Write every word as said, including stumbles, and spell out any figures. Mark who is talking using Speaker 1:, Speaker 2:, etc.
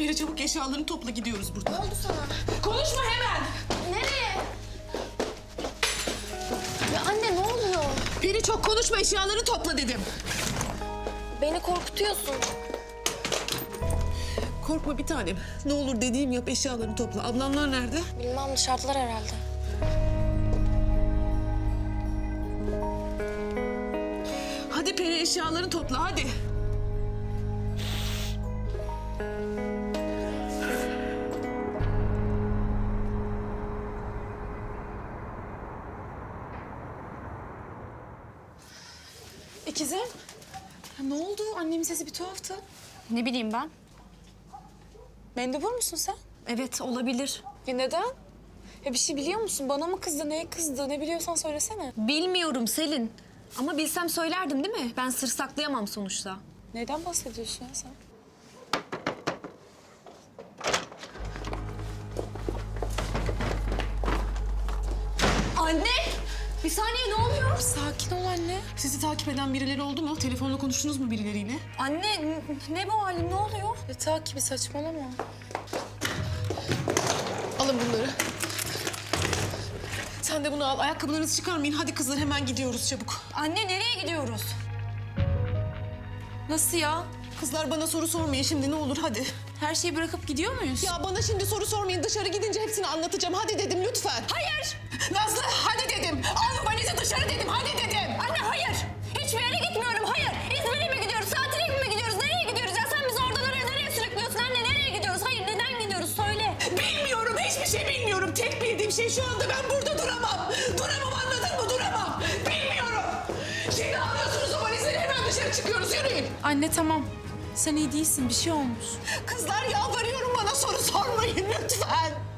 Speaker 1: Peri çabuk eşyalarını topla, gidiyoruz buradan.
Speaker 2: Ne oldu sana?
Speaker 1: Konuşma hemen.
Speaker 2: Nereye? Ya anne ne oluyor?
Speaker 1: Peri çok konuşma, eşyalarını topla dedim.
Speaker 2: Beni korkutuyorsun.
Speaker 1: Korkma bir tanem. Ne olur dediğim yap, eşyalarını topla. Ablamlar nerede?
Speaker 2: Bilmem dışarıdalar herhalde.
Speaker 1: Hadi Peri, eşyalarını topla hadi.
Speaker 3: İkizim, ya ne oldu? Annemin sesi bir tuhaftı.
Speaker 4: Ne bileyim ben?
Speaker 3: Mendebur musun sen?
Speaker 4: Evet, olabilir.
Speaker 3: Ya neden? Ya bir şey biliyor musun? Bana mı kızdı, neye kızdı? Ne biliyorsan söylesene.
Speaker 4: Bilmiyorum Selin. Ama bilsem söylerdim değil mi? Ben sır saklayamam sonuçta.
Speaker 3: Neyden bahsediyorsun ya sen?
Speaker 4: Anne! Bir saniye, ne oluyor?
Speaker 3: Sakin ol anne.
Speaker 1: Sizi takip eden birileri oldu mu? Telefonla konuştunuz mu birileriyle?
Speaker 4: Anne, n- ne bu halin? Ne oluyor?
Speaker 3: Ya takibi saçmalama.
Speaker 1: Alın bunları. Sen de bunu al. Ayakkabılarınızı çıkarmayın. Hadi kızlar, hemen gidiyoruz çabuk.
Speaker 4: Anne, nereye gidiyoruz?
Speaker 3: Nasıl ya?
Speaker 1: Kızlar bana soru sormayın şimdi, ne olur hadi.
Speaker 3: Her şeyi bırakıp gidiyor muyuz?
Speaker 1: Ya bana şimdi soru sormayın. Dışarı gidince hepsini anlatacağım. Hadi dedim lütfen.
Speaker 4: Hayır!
Speaker 1: Nazlı hadi dedim. Al valizi dışarı dedim. Hadi dedim.
Speaker 4: Anne hayır! Hiçbir yere gitmiyorum, hayır! İzmir'e mi gidiyoruz, tatile mi gidiyoruz, nereye gidiyoruz? Ya sen bizi oradan oraya nereye sürüklüyorsun anne? Nereye gidiyoruz? Hayır, neden gidiyoruz? Söyle!
Speaker 1: Bilmiyorum. Hiçbir şey bilmiyorum. Tek bildiğim şey şu anda ben burada duramam. Duramam, anladın mı? Duramam. Bilmiyorum. Şimdi alıyorsunuz o valizleri, hemen dışarı çıkıyoruz. Yürüyün.
Speaker 3: Anne tamam. Sen iyi değilsin, bir şey olmuş.
Speaker 1: Kızlar yalvarıyorum, bana soru sormayın lütfen.